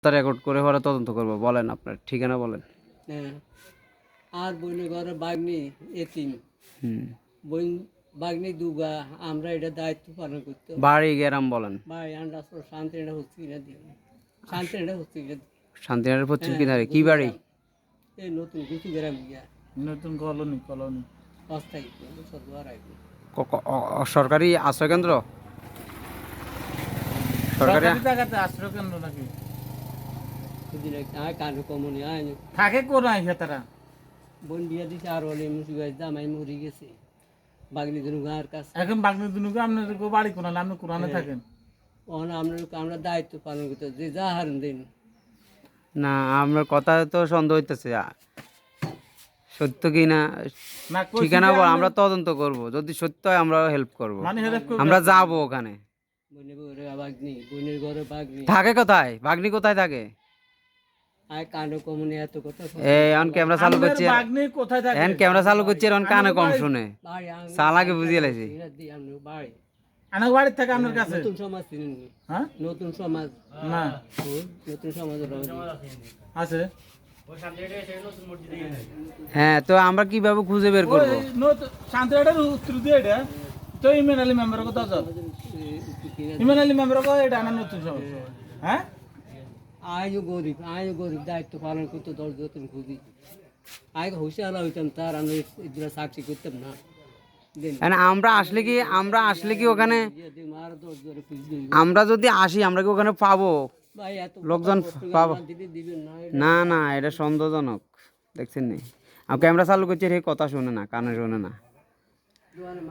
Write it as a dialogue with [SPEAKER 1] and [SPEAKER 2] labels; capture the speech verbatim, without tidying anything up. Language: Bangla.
[SPEAKER 1] রেকর্ড করে পরে তদন্ত করবো। বলেন আপনার ঠিকানা বলেন।
[SPEAKER 2] হ্যাঁ আর বইনে ঘরে বাগনি এতিম
[SPEAKER 1] হুম
[SPEAKER 2] বই বাগনি দুগা আমরা এটা দায়িত্ব পালন করতে হবে।
[SPEAKER 1] বাড়ি গ্রাম বলেন।
[SPEAKER 2] ভাই আন্ডা শান্তিটা হচ্ছে কিনা দিই শান্তিটা হচ্ছে কিনা দিই
[SPEAKER 1] শান্তিনগরের পশ্চিম
[SPEAKER 2] হ্যাঁ,
[SPEAKER 1] কিনারে কি
[SPEAKER 2] গুরু
[SPEAKER 1] বাড়ি?
[SPEAKER 2] গ্রাম। এই নতুন গুচু গ্রাম গিয়া
[SPEAKER 3] নতুন কলোনি কলোনি
[SPEAKER 2] অস্থায়ী সরকার আইবে
[SPEAKER 1] ক- ক- অ- অ- সরকারি আশ্রয় কেন্দ্র? সরকারি
[SPEAKER 3] সরকারি জায়গাতে আশ্রয় কেন্দ্র নাকি
[SPEAKER 2] সেদিন আয় কানু কমনি আয়
[SPEAKER 3] থাকে কোন আইসা তারা
[SPEAKER 2] বোন বিয়া দিছে আর হলে মুসি গাছ জামাই মরি গেছে বাগনি ধনু গাঁর কাছে
[SPEAKER 3] এখন বাগনি দুনুকে আপনার গো বাড়ি কোন আপনি কোরআনে থাকেন
[SPEAKER 2] ওখান আমরা আমরা দায়িত্ব পালন করতে হবে। যে যা হারুন দিন
[SPEAKER 1] না, আপনার কথা তো সন্দেহ হইতেছে। আ- সত্য কি না
[SPEAKER 3] না কইছি
[SPEAKER 1] ঠিকানা
[SPEAKER 3] যে
[SPEAKER 1] বল,
[SPEAKER 3] আপনি-
[SPEAKER 1] আমরা তদন্ত করব। যদি সত্য হয় আমরা হেল্প করব,
[SPEAKER 3] মানে হেল্প করবে
[SPEAKER 1] আমরা যাব ওখানে।
[SPEAKER 2] বোনের ঘরে বাগনি বোনের ঘরে বাগনি
[SPEAKER 1] থাকে কোথায়? ভাগ্নি কোথায় থাকে?
[SPEAKER 2] আয় কানু কমনি এত কথা
[SPEAKER 1] এই অন ক্যামেরা চালু
[SPEAKER 3] আপনার
[SPEAKER 1] করছে,
[SPEAKER 3] বাগনি কোথায় থাকে
[SPEAKER 1] এখন ক্যামেরা চালু করছে, এখন কানে কম শুনে
[SPEAKER 2] বাড়ি আং-
[SPEAKER 1] চালাকে বুঝিয়ে লাইছি।
[SPEAKER 2] এরা দিই আমরা বাড়ি
[SPEAKER 3] আনার বাড়ি থেকে আপনার কাছে
[SPEAKER 2] নতুন সমাজ চিনেন নি?
[SPEAKER 3] হ্যাঁ
[SPEAKER 2] নতুন সমাজ
[SPEAKER 3] না
[SPEAKER 2] ও, নতুন সমাজ
[SPEAKER 3] আছে
[SPEAKER 1] হ্যাঁ, তো আমরা কিভাবে খুঁজে বের করব?
[SPEAKER 3] ওই নতুন শান্তিরাটার উত্তর দিয়ে এটা তো ইমেন আলী মেম্বার কথা আছে ইমেন আলী মেম্বার কথা এটা আনার নতুন সমাজ হ্যাঁ
[SPEAKER 2] আয়ও গরিব আয়ও গরিব দায়িত্ব পালন করতে দশ যতন খুঁজি আয় হুশিয়ার হইতাম তার আমি এগুলো সাক্ষী করতাম না দিন
[SPEAKER 1] মানে আমরা আসলে কি আমরা আসলে কি ওখানে
[SPEAKER 2] মার দশ জোরে খুঁজবি
[SPEAKER 1] আমরা যদি আসি আমরা কি ওখানে পাবো?
[SPEAKER 2] ভাই এত
[SPEAKER 1] লোকজন
[SPEAKER 2] কষ্ট
[SPEAKER 1] পাবো?
[SPEAKER 2] আমার দিদি দিবেন না
[SPEAKER 1] না না, এটা সন্দেহজনক। দেখছেন নি, আর ক্যামেরা চালু করছে, হে কথা শুনে না, কানে শুনে না।